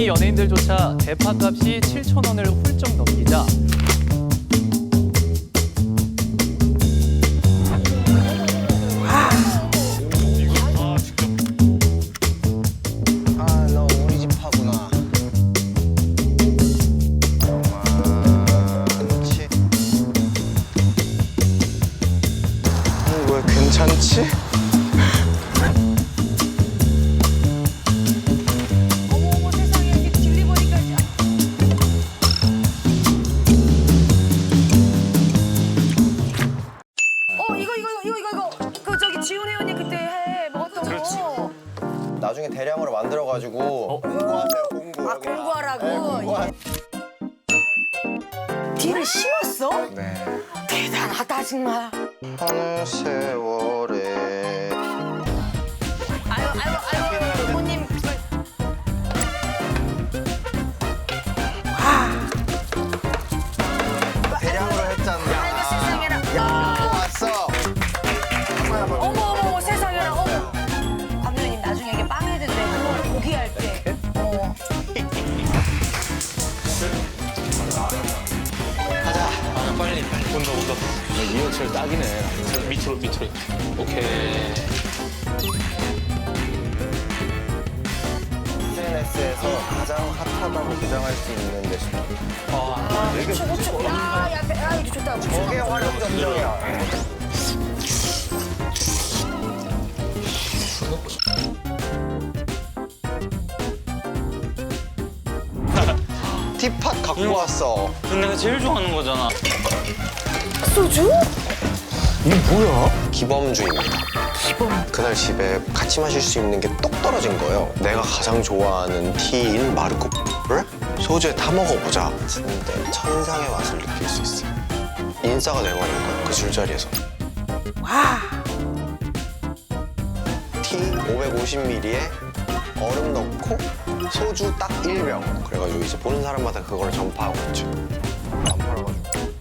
연예인들조차 대파값이 7,000원을 훌쩍 넘기자 너 우리 집 파구나. 많지? 왜 괜찮지? 어머 세상에 이게 딜리버리까지. 이거 그 저기 지훈 회원님 그때 해 먹었던 거. 나중에 대량으로 만들어가지고 공부하세요, 공부. 아 공부하라고. 네, 공부하... 딜을 심었어? 네. 대단하다 정말. 어느 세월에 아유 부모님. 대량으로 했잖아. 아이고 세상에나. 야, 왔어. 어머 세상에나. 어머. 감독님 나중에 이게 빵 해든데 그거 고기 할 때. 빨리 온다. 이어철 딱이네. 밑으로. 오케이. SNS에서 가장 핫하다고 주장할 수 있는 레시피. 고추. 야 이거 좋다. 저게 활용 점정이야. 티팟 갖고 왔어. 근데 내가 제일 좋아하는 거잖아. 소주? 기범주입니다. 그날 집에 같이 마실 수 있는 게 똑 떨어진 거예요. 내가 가장 좋아하는 티인 마르코를 소주에 타 먹어보자. 근데 천상의 맛을 느낄 수 있어요. 인싸가 돼버린 거예요, 그 술자리에서. 와. 티 550ml에 얼음 넣고 소주 딱 1병. 그래가지고 이제 보는 사람마다 그걸 전파하고 있죠. 안 팔아가지고.